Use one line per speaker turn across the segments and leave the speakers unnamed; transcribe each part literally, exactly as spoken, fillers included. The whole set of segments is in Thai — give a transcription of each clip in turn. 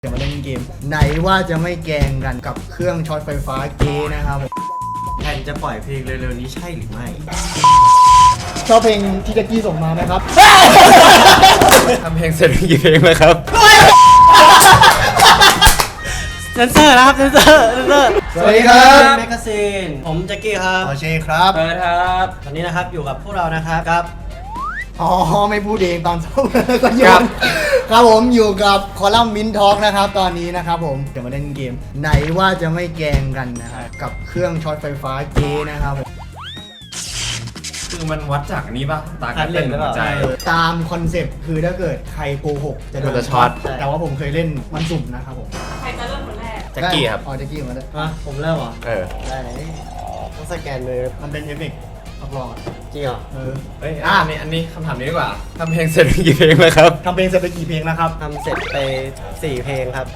จะมาเล่นเกมไหนว่าจะไม่แกล้งกันกับเครื่องช็อตไฟฟ้าเก๊นะครับแผ่นจะปล่อยเพลงเร็วๆนี้ใช่หรือไม่ชอบเพลงที่แจ็คกี้ส่งมาไหมครับ
ทำเพลงเสร็จกี่เพลงแล้วครับ
เซนเซอร์นะครับเซนเซอร์เซนเซอร์
สวัสดีครับ
แมกกาซีนผมแจ็คกี้ครับ
โอเคครับ
เปิดครับ
วันนี้นะครับอยู่กับพวกเรานะครับกับ
อ๋อไม่พูดเองตอนเช้าก็โยนครับผมอยู่กับคอลัมน์มินทอล์กนะครับตอนนี้นะครับผมจะมาเล่นเกมไหนว่าจะไม่แกล้งกันนะครับกับเครื่องช็อตไฟฟ้าเก๊นะครับผม
คือมันวัดจากนี้ป่ะตาการเต้นหัวใจ
ตามคอนเซปต์คือถ้าเกิดใครโกหกจะโด
มัน
น
จะช็อต
แต่ว่าผมเคยเล่นมันสุ่มนะครับผม
ใครจะเริ่มคนแรก
แจ็คกี้ครับ
อ๋อแจ็คกี้มาด้วย
อ่ะผมเริ่มเหรอ
เออ
ได้เลยต้องสแกนมือ
มันเป็นเอฟเฟกต์รับรองอะ
จริงเหรอ
เออ
เฮ้ยอ่ะนี่อันนี้คำถามนี้ดีกว่าทำเพลงเสร็จกี่เพลงแล้วครับ
ทำเพลงเสร็จไปกี่เพลงนะครับ
ทำเสร็จไปสี่เพลงครับ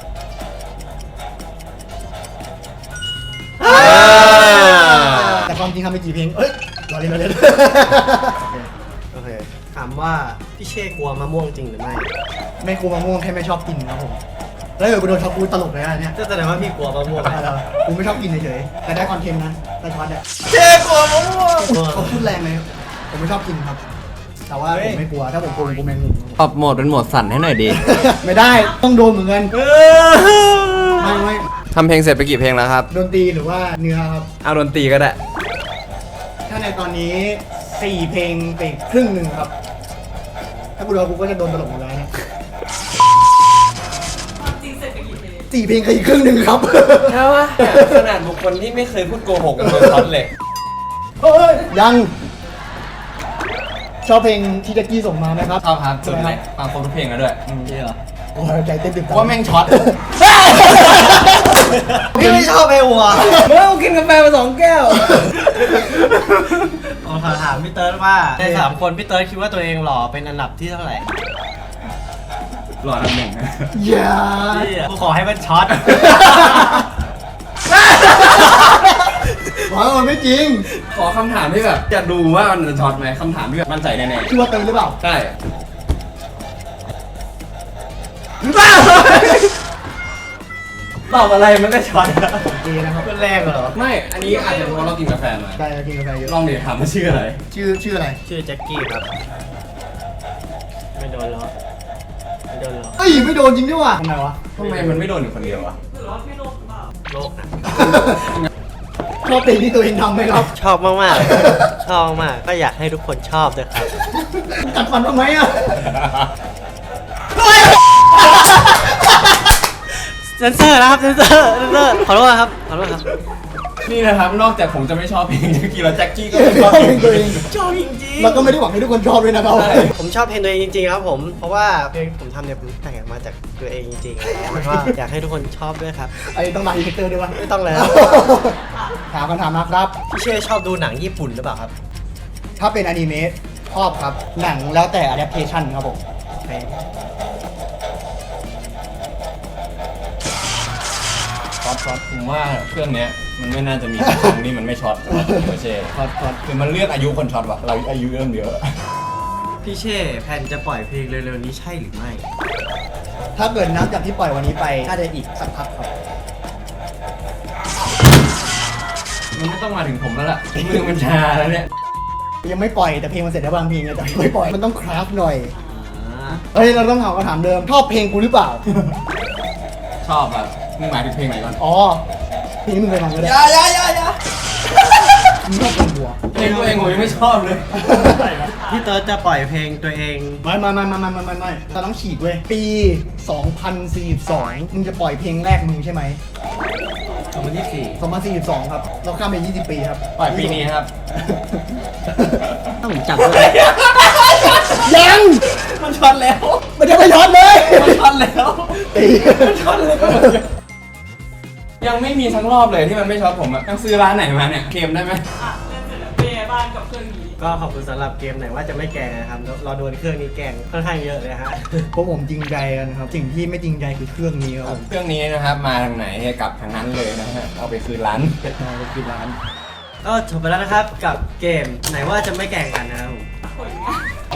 แต่ความจริงทำไปกี่เพลงเอ้ยรอเล่นรอเล่น
โอเคถามว่าพี่เช่กลัวมะม่วงจริงหรือไม่
ไม่กลัวมะม่วงแค่ไม่ชอบกินครับผมแล้วเดี๋ยวกูโดนช็อตกูตลกเลยนะเนี่ย
ก็แสดงว่าพี่กลัวมะม่วง
เออกูไม่ชอบกินเฉยๆแต่ได้คอนเทนต์นะได้ช็อตเนี่ย
เจ๊กลัวมะม่วง
เขาพูดแรงเลยผมไม่ชอบกินครับ แต่ว่าผมไม่กลัวถ้าผมกลัวผมกลัวแมงมุม
ปรับโหมดเป็นโหมดสั่นให้หน่อยดี
ไม่ได้ต้องโดนเหมือนกันไม่ไม่
ทำเพลงเสร็จไปกี่เพลงแล้วครับ
ดนตรีหรือว่าเนื้อครับ
เอาดนตรีก็ได้
ถ้าในตอนนี้สี่เพลงไปครึ่งหนึ่งครับ ถ้ากูโดนกูก็จะโดนตลกหมดแล้วเนี่ย
ความจริงเสร็จไปกี่เพลง
สี่เพลงกับอีกครึ่งหนึ่งครับ
ใช่ปะขนาดบุคคลที่ไม่เคยพูดโกหกกันโดนช็อตเลย
เฮ้ยยัง ชอบเพลงที่แจ็คกี้ส่งมาไหมครับ
ชอบครับสุดเลยฟังครบทุกเพลงแล้วด้วย
จริงเหรอ
โอ้ยใจเต้นตึก
ว่าแม่งช็อต
พี่ไม่ชอบไอ้หัว
เมื่อกินกาแฟมาสองแก้ว
ผมขอถามพี่เติร์ดว่าในสามคนพี่เติร์ดคิดว่าตัวเองหล่อเป็นอันดับที่เท่าไหร่
หล่อทำหนึ่ง
อย่า
พี่อะกูขอให้มันช็อต
บอกว่ามันไม่จริง
ขอคำถามที่แบบจะดูว่ามันจะช็อตไหมคำถามที่แบบมั่นใจแน่
ชื่อว่าเติมหรือเปล่า
ๆใช่
ตอบอะไรมันก็ช็อต
ดีนะครับ
เป็นแรงเหรอ
ไม่ อันนี้อาจจะเพราะเรากินกาแฟมา
ได้กินกาแฟเยอะ
ลองเดี๋ยวถามว่าชื่ออะไร
ชื่อชื่ออะไร
ชื่อแจ็คกี้ครับ ไม่โดนล้อไม่โดนล้อ
เอ้ยไม่โดนจริงด้วยว่ะทำไมวะ
ทำไมมันไม่โดนอยู่คนเดียววะ
หรือว่าพี่โลกหรือเปล่า
โลกนะ
ชอบเพลงที่ตัวเองทำไหมครับ
ชอบมาก ๆ ชอบมาก ก็อยากให้ทุกคนชอบด้วยครับ
กัดฟันทำไมอ่ะ
เซนเซอร์นะครับ เซนเซอร์เซนเซอร์ขอโทษครับ ขอโทษครับ
นี่นะครับ นอกจากผมจะไม่ชอบเพลงแจ็คกี้แล้วแจ็คกี้ก็ไม่ชอบ
เพ
เพ
ล
ล
ง
ง
ตัวเอง
ชอบจริง
แล้วก็ไม่ได้หวังให้ทุกคนชอบด้วยนะครับ
ผมชอบเพลงตัวเองจริง ๆ ครับผม เพราะว่าเพลงผมทำเนี่ยผมแต่งมาจากตัวเองจริงๆแล้วก็อยากให้ทุกคนชอบด้วยครับ
ไอ้ต้องมาอีเฟกเตอร์ด้วยวะ
ไม่ต้องแล้ว
ถามคำถามนะครับ
พี่เช่ชอบดูหนังญี่ปุ่นหรือเปล่าครับ
ถ้าเป็นอนิเมะชอบครับ หนังแล้วแต่ adaptation ครับผม
ช็อตช็อตผมว่าเครื่องเนี้ยมันไม่น่าจะมีครั้งที่มันไม่ช็อตไม่ใช่
ช็อตช็อต
คือมันเลือกอายุคนช็อตว่ะเราอายุเริ่มเยอะ
พี่เช่แพนจะปล่อยเพลงเร็วๆนี้ใช่หรือไม่
ถ้าเกิดนับจากที่ปล่อยวันนี้ไปน่าจะอีกสักพักครับ
มันไม่ต้องมาถึงผมแล้วล่ะมือมันชาแล้วเนี่ย
ยังไม่ปล่อยแต่เพลงมันเสร็จแล้วบางเพลงไงแต่ยังไม่ปล่อยมันต้องคราฟหน่อย
อ่า
เฮ้ยเราต้องถามคำถามเดิมชอบเพลงกูหรือเปล่า
ชอบอ่ะมึงหมายถึงเพลงไหนก่อน
อ๋อเพลงนี้มึงเคยฟังก็ได้
อย่าอย่าอย่าอย่า
มึงชอบเพลงบัว
เพลงตัวเองผมยังไม่ชอบเลย
พี่เติร์ดจะปล่อยเพลงตัวเอง
ไม่ไม่ไม่ไม่ไม่ไม่ไม่ไม่เราต้องฉีกเว้ยปีสองพันสี่สิบสองมึงจะปล่อยเพลงแรกมึงใช่ไหม
สองพันยี่สิบสี่
สองพันสี่สิบสองครับเราข้ามไปยี่สิบปีครับ
ปล่อยปีนี้ครับ
ถ้าผมจับด้วย
ยัง
มันช็อตแล้ว
มันจะไม่ช็อตเลย
มันช็อตแล้ว
ตี
มันช็อตแล้วยังไม่มีทั้งรอบเลยที่มันไม่ช็อตผมอะต้องซื้อร้านไหนมาเนี่ยเคลมได้ไหม
อ่ะเล่นเสร็จแล้วเป็นไงบ้างกับเครื่องนี้
ก็ขอบคุณสำหรับเกมไหนว่าจะไม่แกล้งนะครับเราเราโดนเครื่องนี้แกล้งค่อนข้างเยอะเลยฮะ
พวกผมจริงใจกันครับสิ่งที่ไม่จริงใจคือเครื่องนี้ครับผม
เครื่องนี้นะครับมาทางไหนกลับทางนั้นเลยนะฮะเอาไปคืนร้าน
มาไปกินร้าน
ก็จบไปแล้วนะครับกับเกมไหนว่าจะไม่แกล้งกันนะครับผม
ผลงาน
อ๋อ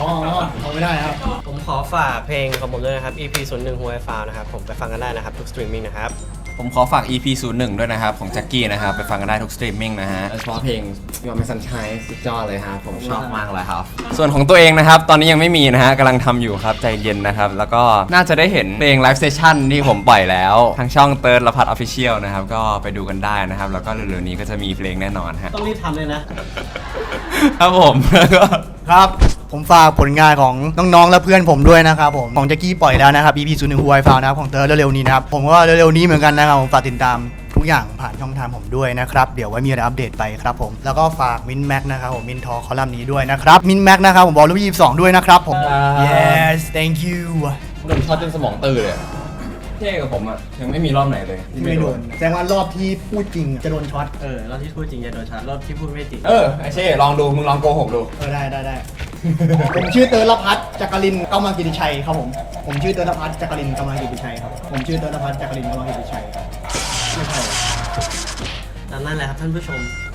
เอาไม่ได้ครับ
ผมขอฝากเพลงของผมด้วยนะครับ อี พี ศูนย์หนึ่ง Who I Found นะครับผมไปฟังกันได้นะครับทุกสตรีมมิ่งนะครับ
ผมขอฝาก อี พี ศูนย์หนึ่ง ด้วยนะครับ ของแจ็คกี้นะครับ ไปฟังกันได้ทุกสตรีมมิ่งนะฮะโดยเฉพาะเพลง Your Man Sunshine สุดยอดเลยครับผมชอบมากเลยครับ ส่วนของตัวเองนะครับ ตอนนี้ยังไม่มีนะฮะกำลังทำอยู่ครับ ใจเย็นนะครับ แล้วก็น่าจะได้เห็นเพลงไลฟ์เซสชั่นที่ผมปล่อยแล้วทางช่องเติร์ดละพัดออฟฟิเชียลนะครับ ก็ไปดูกันได้นะครับ แล้วก็เร็วๆนี้ก็จะมีเพลงแน่นอนฮะ
ต้องรีบทำเลยนะ
ครับผมแล้วก็
ครับ ผมฝากผลงานของน้องๆและเพื่อนผมด้วยนะครับผมของแจ็คกี้ปล่อยแล้วนะครับ อี พี ศูนย์หนึ่ง Who I Found นะครับของเตอร์เร็วๆนี้นะครับผมว่าเร็วๆนี้เหมือนกันนะครับผมฝากติดตามทุกอย่างผ่านช่องทางผมด้วยนะครับเดี๋ยวไว้มีอะไรอัปเดตไปครับผมแล้วก็ฝากมินแม็กนะครับผมมินทอคอลัมน์นี้ด้วยนะครับมินแม็กนะครับผมบอลลูยี่สิบสองด้วยนะครับผม yes thank you
โดนช็อตจนสมองตื่นเลยเท่กับผมอ่ะยังไม่มีรอบไหนเลยที่
ไม่โดนแสดงว่ารอบที่พูดจริงจะโดนช็อต
เออรอบที่พูดจริงจะโดนชาร์จรอบที่พูดไม่จริง
เออไอเช่ลองดูมึงลองโกหกดู
เออได้ได้ได้ ผมชื่อเตอร์ลพัฒน์จักรินทร์เก้ามังกิติชัยครับผมผมชื่อเตอร์ลพัฒน์จักรินทร์เก้ามังกิติชัยครับผมชื่อเตอร์ลพัฒน์จักรินทร์เก้ามังกิติชัยไม่ใช่
นั่นแหละครับท่านผู้ชม